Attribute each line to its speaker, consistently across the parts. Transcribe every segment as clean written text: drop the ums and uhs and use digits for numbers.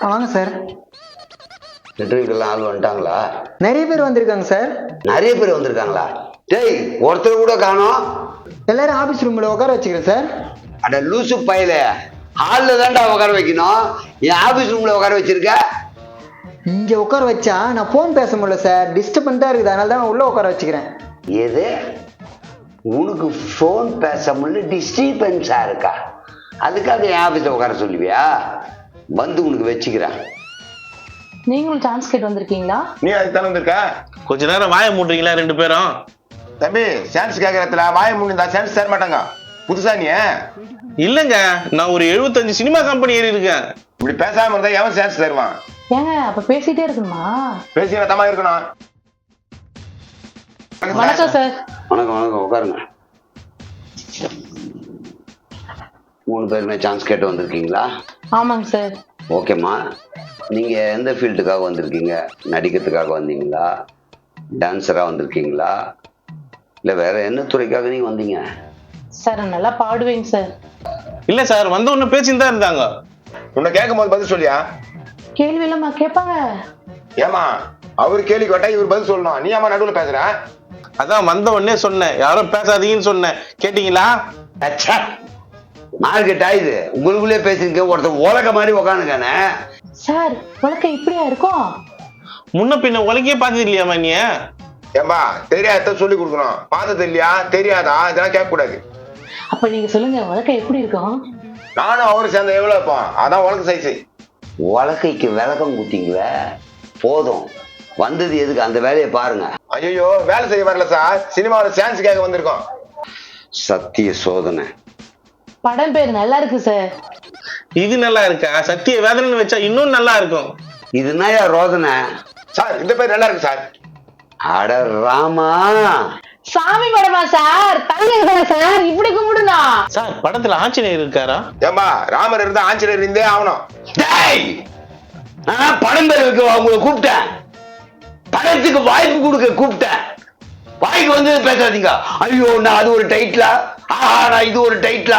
Speaker 1: வாங்க சார்.
Speaker 2: இன்டர்வியூக்கெல்லாம் ஆள் வந்துட்டாங்களா?
Speaker 1: நிறைய பேர் வந்திருக்காங்க சார்.
Speaker 2: நிறைய பேர் வந்திருக்காங்களா? டேய், ஒருத்தர் கூட காணோம்.
Speaker 1: எல்லாரும் ஆபீஸ் ரூம்ல உட்கார வச்சுக்கிறேன் சார்.
Speaker 2: அட லூசு பையல, ஹாலில் தான்டா உட்கார வைக்கணும். என் ஆபீஸ் ரூம்ல உட்கார வச்சிருக்க.
Speaker 1: இங்க உட்கார வச்சா நான் போன் பேச முடியல சார். டிஸ்டர்பன்ஸா இருக்குது, அதனால தான் உள்ள உட்கார வச்சுக்கிறேன்.
Speaker 2: எது? உனக்கு ஃபோன் பேச முடியல, டிஸ்டர்பன்ஸா இருக்கா? அதுக்காக என் ஆபீஸ்ல உட்கார சொல்லுவியா? வந்து உனக்கு வச்சுக்கிறேன்.
Speaker 3: நீங்களும் சான்ஸ் கேட்டு வந்திருக்கீங்களா?
Speaker 4: நீ அதுக்கு தானே வந்திருக்க?
Speaker 5: கொஞ்ச நேரம் வாய மூடுறீங்களா ரெண்டு பேரும்?
Speaker 4: தம்பி, சான்ஸ் கேட்கறதுல வாய முடிந்தா சான்ஸ் தர மாட்டாங்க. புதுசா நீ?
Speaker 5: இல்லங்க, நான் ஒரு 75 சினிமா கம்பெனி ஏறி இருக்கேன்.
Speaker 4: இப்படி பேசாம இருந்தா எவன் சான்ஸ் தருவான்?
Speaker 3: ஏங்க அப்ப பேசிட்டே இருக்கணுமா?
Speaker 4: பேசினா தமா இருக்கணும்.
Speaker 3: வணக்கம் சார்.
Speaker 2: வணக்கம் வணக்கம், உட்காருங்க. 3 பேருமே சான்ஸ் கேட்டு வந்திருக்கீங்களா?
Speaker 3: ஆமாங்க சார்.
Speaker 2: ஓகேம்மா, நீங்க எந்த ஃபீல்டுக்காக வந்திருக்கீங்க? நடிக்கிறதுக்காக வந்தீங்களா, டான்ஸரா வந்திருக்கீங்களா, இல்ல வேற என்ன துறைக்காக நீங்க வந்தீங்க?
Speaker 3: சார் நல்லா பாடுவேங்க சார்.
Speaker 5: இல்ல சார், வந்த உடனே பேசிட்டு தான் இருந்தாங்க.
Speaker 4: உன்னை கேட்கும் போது பதில் சொல்லியா?
Speaker 3: கேள்வி இல்லாம கேட்பாங்க.
Speaker 4: ஏமா அவரு கேள்வி கேட்டா இவர் பதில் சொல்லணும். நீ ஏமா நடுவுல பேசுற?
Speaker 5: அதான் வந்த உடனே சொன்னேன், யாரும் பேசாதீங்கன்னு சொன்னேன். கேட்டீங்களா?
Speaker 2: மார்க்கெட் ஆயுது, உங்களுக்குள்ளே பேசிருக்க. ஒருத்தர் உலக மாதிரி உக்காந்துக்கானே.
Speaker 3: சார் உலகம் இப்படியா இருக்கும்?
Speaker 5: முன்ன பின்ன உலகையே பார்த்தது இல்லையாமா நீ?
Speaker 4: ஏம்பா, தெரியாத சொல்லி கொடுக்கணும். பார்த்தது இல்லையா, தெரியாதா, இதெல்லாம் கேட்க கூடாது.
Speaker 3: அப்ப நீங்க சொல்லுங்க, உலகம் எப்படி இருக்கும்?
Speaker 4: நானும் அவரு சேர்ந்த எவ்வளவு இருப்போம்? அதான் உலக சைஸ்.
Speaker 2: உலகைக்கு விளக்கம் குத்திங்களே, போதும். வந்தது எதுக்கு? அந்த வேலையை பாருங்க.
Speaker 4: ஐயோ, வேலை செய்ய வரல சார், சினிமாவில் சான்ஸ் கேட்க வந்திருக்கோம்.
Speaker 2: சத்திய சோதனை
Speaker 3: படம் பேர் நல்லா இருக்கு சார்.
Speaker 5: இது நல்லா இருக்கா? சத்திய வேதனைன்னு வச்சா இன்னும் நல்லா இருக்கும்.
Speaker 2: இதுனாயா ரோதனை?
Speaker 4: சார் இந்த பேர் நல்லா இருக்கு சார்.
Speaker 2: அட ராமா,
Speaker 3: சாமி படமா சார்? தங்க சார், இப்படி கும்பிடுனா
Speaker 5: சார் படத்துல ஆஞ்சநேயர் இருக்காரா?
Speaker 4: ஏம்பா, ராமர் இருந்தா ஆஞ்சநேயர் இருந்தே ஆகணும்.
Speaker 2: படம் பேர் வைக்க உங்களை கூப்பிட்டேன். படத்துக்கு வாய்ப்பு கொடுக்க கூப்பிட்டேன். வாய்க்கு வந்து பேசாதீங்க. ஐயோ, நான் அது ஒரு டைட்டிலா, நான் இது ஒரு டைட்டிலா.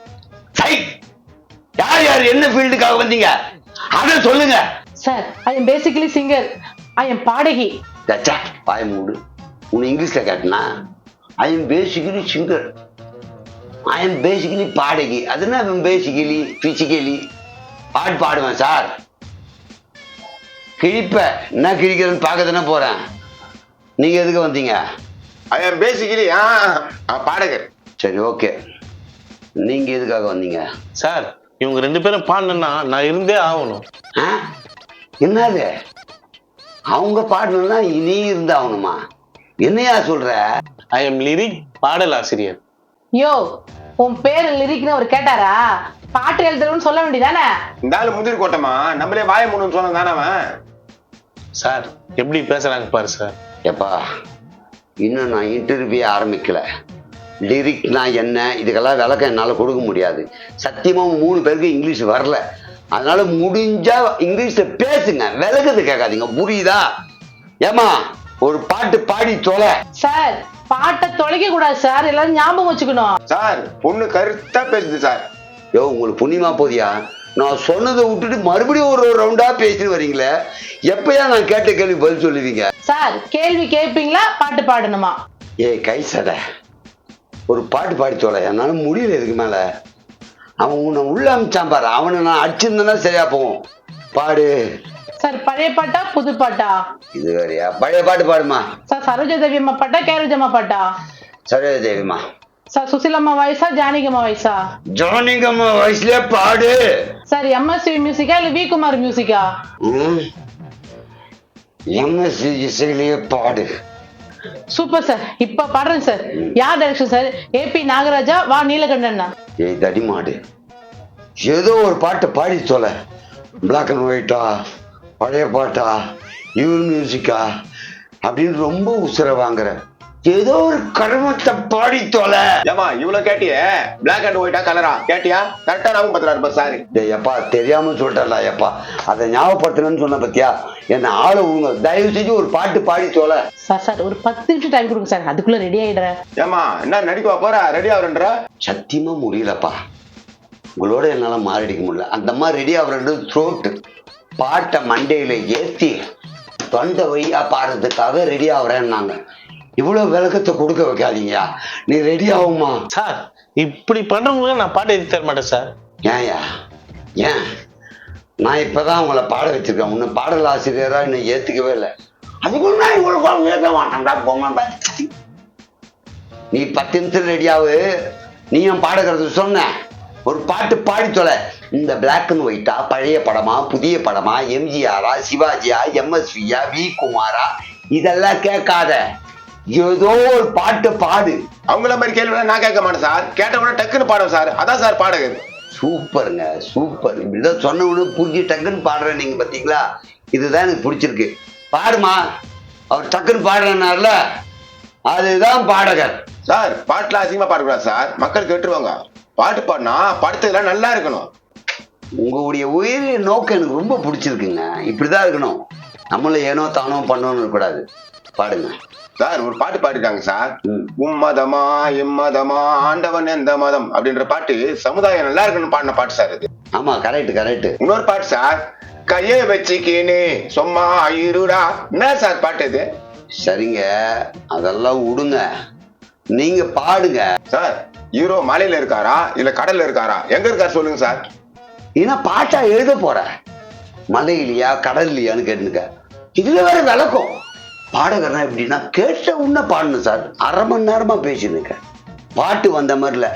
Speaker 2: யார் யார் என்ன ஃபீல்டுக்காக வந்தீங்க அத சொல்லுங்க
Speaker 3: sir. I am basically singer. I am பாடகி.
Speaker 2: வாய மூடு. உன்னை இங்கிலீஷ்ல கேட்டனா? I am basically singer, I am basically பாடகி. அது என்ன பேசிக்கலி பிசிக்கலி? பாட்டு பாடுவேன் சார். கிழிப்ப என்ன கிழிக்கிறதுன்னு பார்க்க தானே போறேன். நீங்க எதுக்கு வந்தீங்க?
Speaker 4: ஐ எம் பேசிக்கலி பாடகர்.
Speaker 2: சரி, ஓகே. நீங்க எதுக்காக வந்தீங்க?
Speaker 5: சார் இவங்க ரெண்டு பேரும் பாடணும்னா நான் இருந்தே ஆகணும்.
Speaker 2: என்னது? அவங்க பாடணும்னா நீ இருந்தா ஆகணுமா? என்னையா சொல்ற?
Speaker 5: ஐ எம் லிரிக் பாடல் ஆசிரியர்.
Speaker 3: யோ, உன் பேரு லிரிக்னு அவர் கேட்டாரா? பாட்டு எழுதுறோம்னு சொல்ல வேண்டியதானே?
Speaker 4: இந்த ஆளு முந்திரி கோட்டமா, நம்மளே வாய மூணுன்னு சொன்னது தானே அவன்.
Speaker 5: சார் எப்படி பேசுறாங்க பாரு சார்.
Speaker 2: எப்பா, இன்னும் நான் இன்டர்வியூ ஆரம்பிக்கல. லிரிக்னா என்ன, இதுக்கெல்லாம் விளக்கம் என்னால் கொடுக்க முடியாது. சத்தியமாக 3 பேருக்கு இங்கிலீஷ் வரல. அதனால முடிஞ்சா இங்கிலீஷ்ல பேசுங்க, விளக்கத்தை கேட்காதீங்க. புரியுதா? ஏமா, ஒரு பாட்டு பாடி தொலை.
Speaker 3: சார் பாட்டை தொலைக்க கூடாது சார், எல்லாரும் ஞாபகம் வச்சுக்கணும்.
Speaker 4: சார் பொண்ணு கருத்தா பேசுது சார்.
Speaker 2: யோ, உங்களுக்கு புண்ணியமா போதியா? நான் சொன்னதை விட்டுட்டு மறுபடியும் ஒரு ரவுண்டா பேசிட்டு வரீங்களே. எப்பயா நான் கேட்ட கேள்வி பதில் சொல்லுவீங்க?
Speaker 3: சார் கேள்வி கேட்பீங்களா, பாட்டு பாடணுமா?
Speaker 2: ஏய் கை சடை, ஒரு பாட்டு பாடி தொலை. என்னால முடியல இதுக்கு மேல. அவன் உன்னை உள்ள அமிச்சான் பாரு, அவனை நான் அடிச்சிருந்தேன்னா சரியா போகும். பாடு.
Speaker 3: சார் பழைய பாட்டா புது பாட்டா?
Speaker 2: இது வேறையா? பழைய பாட்டு பாடுமா.
Speaker 3: சார் சரோஜா தேவி அம்மா பாட்டா கேரோஜம்மா பாட்டா?
Speaker 2: சரோஜா தேவிமா.
Speaker 3: சார் சுசிலம்மா வயசா ஜானகிம்மா வயசா?
Speaker 2: ஜானகிம்மா வயசுல பாடு.
Speaker 3: சார் எம்எஸ்வி மியூசிக்கா இல்ல வி குமார் மியூசிக்கா?
Speaker 2: எம்எஸ்வி இசையிலேயே பாடு.
Speaker 3: சூப்பர் சார், இப்ப பாடுறேன் சார். யார் டைரக்ஷன் சார்? ஏபி நாகராஜா வா நீலகண்டனா?
Speaker 2: ஏய் தடிமாடு, ஏதோ ஒரு பாட்டை பாடி தொலை. பிளாக் அண்ட் ஒயிட்டா, பழைய பாட்டா, யூர் மியூசிக்கா அப்படின்னு ரொம்ப உசுர வாங்குற. ஏதோ ஒரு கர்மத்தை பாடி தொலை.
Speaker 4: ஏமா இவ்வளவு கேட்டியே, பிளாக் அண்ட் ஒயிட்டா கலரா கேட்டியா? கரெக்டா ஞாபகம் பண்றாரு சார்.
Speaker 2: எப்பா தெரியாம சொல்லிட்டா எப்பா, அதை ஞாபகப்படுத்தணும்னு சொன்ன பத்தியா? என்ன ஆளு உங்க தயவு செஞ்சு ஒரு பாட்டு பாடி தொலை.
Speaker 3: சார் சார் ஒரு 10 நிமிஷம் டைம் கொடுங்க சார், அதுக்குள்ள ரெடி ஆயிடுறேன்.
Speaker 4: ஏமா என்ன நடிக்கவா போற? ரெடி ஆகுறன்ற?
Speaker 2: சத்தியமா முடியலப்பா, உங்களோட என்னால மாரடிக்க முடியல. அந்த மாதிரி ரெடி ஆகுறது த்ரோட்டு. பாட்டை மண்டையில ஏத்தி தொண்டை வழியா பாடுறதுக்காக ரெடி ஆகுறேன்னாங்க. இவ்வளவு விளக்கத்தை கொடுக்க வைக்காதீங்கயா, நீ ரெடி ஆகுமா?
Speaker 5: சார் இப்படி பண்றவங்க நான் பாட்டு எழுதி தர மாட்டேன் சார்.
Speaker 2: ஏன்யா? ஏன்? நான் இப்பதான் உங்களை பாட வச்சிருக்கேன், உன்னை பாடல் ஆசிரியரா இன்னும் ஏத்துக்கவே இல்லை. அதுக்குள்ள நான் இவ்வளவு ஏற்க மாட்டேன்டா போங்க. நீ 10 நிமிஷம் ரெடியாவு. நீயும் பாடுகிறது சொன்ன ஒரு பாட்டு பாடி தொலை. இந்த பிளாக் அண்ட் ஒயிட்டா, பழைய படமா, புதிய படமா, எம்ஜிஆரா, சிவாஜியா, எம்எஸ்வியா, வி குமாரா, இதெல்லாம் கேட்காத. ஏதோ ஒரு பாட்டு பாடு.
Speaker 4: அவங்கள மாதிரி கேள்வி நான் கேட்க மாட்டேன் சார். கேட்ட உடனே டக்குன்னு பாடுவேன் சார். அதான் சார் பாடகர்.
Speaker 2: சூப்பருங்க, சூப்பர். இப்படிதான் சொன்ன உடனே புரிஞ்சு டக்குன்னு பாடுறேன். நீங்க பாத்தீங்களா? இதுதான் எனக்கு பிடிச்சிருக்கு. பாடுமா. அவர் டக்குன்னு பாடுறேன்னார்ல, அதுதான் பாடகர்.
Speaker 4: சார் பாட்டுல அதிகமா பாடக்கூடாது சார், மக்கள் கேட்டுருவாங்க. பாட்டு பாடினா படுத்ததெல்லாம் நல்லா இருக்கணும்.
Speaker 2: உங்களுடைய உயிரிய நோக்கம் எனக்கு ரொம்ப பிடிச்சிருக்குங்க. இப்படிதான் இருக்கணும். நம்மளும் ஏனோ தானோ பண்ணணும்னு இருக்கக்கூடாது. பாடுங்க
Speaker 4: சார். ஒரு பாட்டு பாடிருக்காங்க சார். உம்மதமா எம்மதமா ஆண்டவன் எந்த மதம் அப்படின்ற பாட்டு சமுதாயம் நல்லா இருக்கணும் பாடின பாட்டு சார் இது.
Speaker 2: ஆமா, கரெக்ட் கரெக்ட்.
Speaker 4: இன்னொரு பாட்டு சார், கையை வச்சுக்கினே சும்மா இருடா. என்ன சார் பாட்டு இது?
Speaker 2: சரிங்க, அதெல்லாம் விடுங்க, நீங்க பாடுங்க.
Speaker 4: சார் ஹீரோ மலையில இருக்காரா இல்ல கடல்ல இருக்காரா, எங்க இருக்காரு சொல்லுங்க சார்.
Speaker 2: ஏன்னா பாட்டா எழுத போற, மலையிலையா கடல்லையான்னு கேட்டுங்க. இதுல வேற விளக்கம். பாடகர்னா எப்படின்னா கேட்ட உன்ன பாடணும் சார். அரை மணி நேரமா பேசினுக்க. பாட்டு வந்த மாதிரி இல்ல,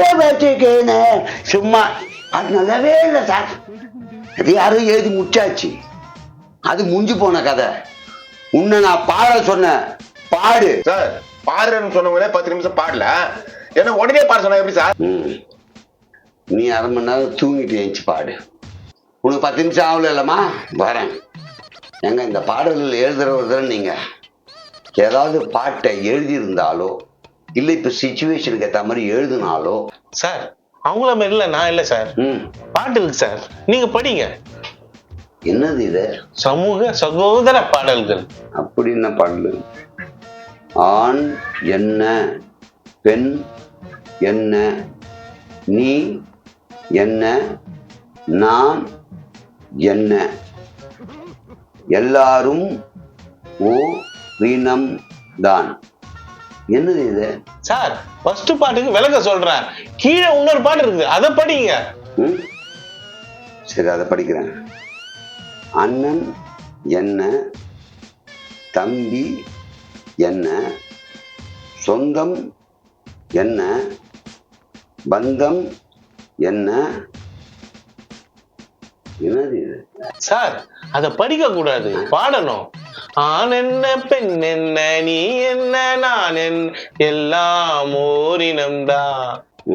Speaker 2: சும்மா அது நல்லாவே இல்லை சார். அது யாரும் எழுதி முடிச்சாச்சு, அது முடிஞ்சு போன கதை. உன்னை நான் பாட சொன்னேன், பாடு.
Speaker 4: சார் பாடுறேன்னு சொன்னவங்களே 10 நிமிஷம் பாடல, என்ன உடனே பாட சொன்னா எப்படி சார்?
Speaker 2: நீ அரை மணி நேரம் தூங்கிட்டு எழுந்துச்சு பாடு. உனக்கு 10 நிமிஷம் ஆகல இல்லம்மா, வரேன். எங்க இந்த பாடல்கள் எழுதுறவர் தானே நீங்க. ஏதாவது பாட்டை எழுதியிருந்தாலோ இல்லை இப்ப சிச்சுவேஷனுக்கு ஏற்ற மாதிரி எழுதினாலோ.
Speaker 5: சார் அவங்கள மாதிரி இல்ல, நான் இல்ல சார். பாட்டு இருக்கு சார், நீங்க படிங்க.
Speaker 2: என்னது இது?
Speaker 5: சமூக சகோதர பாடல்கள்.
Speaker 2: அப்படி என்ன பாடல்? ஆண் என்ன, பெண் என்ன, நீ என்ன, நான் என்ன, எல்லாரும் ஓ வீணம் தான். என்னது இது?
Speaker 5: சார் ஃபர்ஸ்ட் பாட்டுக்கு விளக்க சொல்றேன், கீழே இன்னொரு பாட்டு இருக்கு, அதை படிங்க.
Speaker 2: சரி, அதை படிக்கிறேன். அண்ணன் என்ன, தம்பி என்ன, சொந்தம் என்ன, பந்தம் என்ன. என்னது இது?
Speaker 5: சார் அத படிக்க கூடாது, பாடணும். ஆண் என்ன, பெண் என்ன, நீ என்ன, நான் என்ன, எல்லாம் ஓரினம்தான்.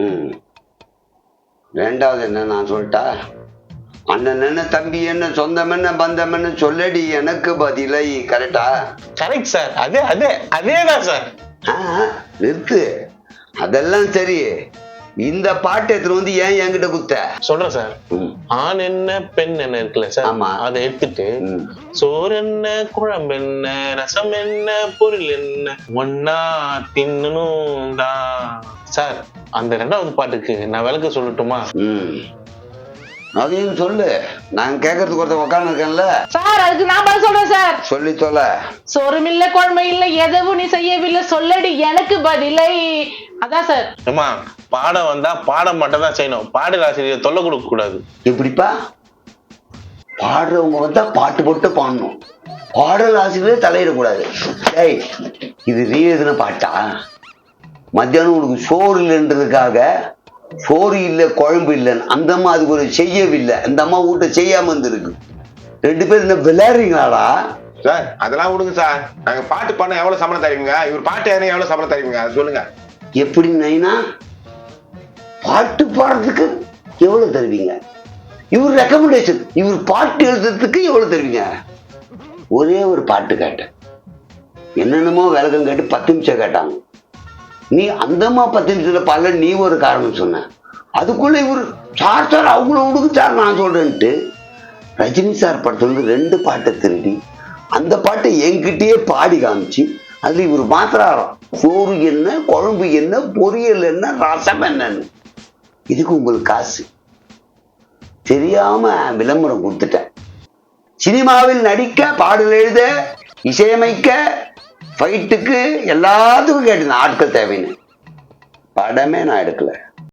Speaker 2: ரெண்டாவது என்ன நான் சொல்லிட்டா? அண்ணன் என்ன, தம்பி என்ன, சொந்தம் என்ன, பந்தம் என்ன, சொல்லடி எனக்கு பதிலை. கரெக்டா?
Speaker 5: Correct sir. அதேதான் சார்.
Speaker 2: நிறுத்து. அதெல்லாம் சரி, இந்த பாட்டு எடுத்துட்டு வந்து ஏன் என்கிட்ட குத்த
Speaker 5: சொல்றேன் சார். ஆண் என்ன, பெண் என்ன இருக்குல்ல சார், அதை எடுத்துட்டு சோறு என்ன, குழம்பு என்ன, ரசம் என்ன, பொருள் என்ன, ஒன்னா தின்னணும் தான். சார் அந்த 2வது பாட்டுக்கு நான் விளக்க சொல்லட்டுமா?
Speaker 2: அதையும் சொல்லு, நான் கேட்கறதுக்கு ஒருத்தர் உட்கார்ந்து இருக்கேன்ல
Speaker 3: சார். அதுக்கு நான் பதில் சொல்றேன் சார்.
Speaker 2: சொல்லி தொலை.
Speaker 3: சோறும் இல்ல, குழம்பு இல்ல, எதுவும் நீ செய்யவில்லை, சொல்லடி எனக்கு பதிலை. அதான் சார்.
Speaker 5: அம்மா பாடம் வந்தா பாடம் மட்டும் தான் செய்யணும், பாடல் ஆசிரியர் தொல்லை கொடுக்க கூடாது.
Speaker 2: எப்படிப்பா? பாடுறவங்க வந்தா பாட்டு போட்டு பாடணும், பாடல் ஆசிரியர் தலையிடக்கூடாது. ஏய், இது நீ எழுதின பாட்டா? மத்தியானம் உனக்கு சோறு இல்லைன்றதுக்காக சோறு இல்லை குழம்பு இல்லைன்னு அந்த அம்மா அதுக்கு ஒரு செய்யவில்லை, அந்த அம்மா வீட்டை செய்யாம இருந்திருக்கு. 2 பேரும் என்ன விளையாடுறீங்களாடா?
Speaker 4: சார் அதெல்லாம் விடுங்க சார். நாங்க பாட்டு பண்ண எவ்வளவு சம்பளம் தருவீங்க? இவர் பாட்டு ஏன்னா எவ்வளவு சம்பளம் தருவீங்க அது சொல்லுங்க.
Speaker 2: எப்படி நைனா? பாட்டு பாடுறதுக்கு எவ்வளவு தருவீங்க? இவர் ரெக்கமெண்டேஷன், இவர் பாட்டு எழுதுறதுக்கு எவ்வளவு தருவீங்க? ஒரே ஒரு பாட்டு கேட்டேன், என்னென்னமோ விளக்கம் கேட்டு 10 நிமிஷம் கேட்டாங்க. நீ அந்தம்மா 10 நிமிஷத்துல பல நீ ஒரு காரணம் சொன்ன. அதுக்குள்ள இவர் சார் சார் அவங்கள விடுங்க சார் நான் சொல்றேன்ட்டு ரஜினி சார் படத்துல 2 பாட்டை திருடி அந்த பாட்டை என்கிட்டயே பாடி காமிச்சு அதுல இவர் மாத்திராராம். சோறு என்ன, குழம்பு என்ன, பொரியல் என்ன, ரசம் என்னன்னு. இதுக்கு உங்களுக்கு காசு தெரியாம விளம்பரம் கொடுத்துட்டேன். சினிமாவில் நடிக்க, பாடல் எழுத, இசையமைக்க, ஃபைட்டுக்கு எல்லாத்துக்கும் கேட்டிருந்தேன் ஆட்கள் தேவைன்னு. படமே நான் எடுக்கல.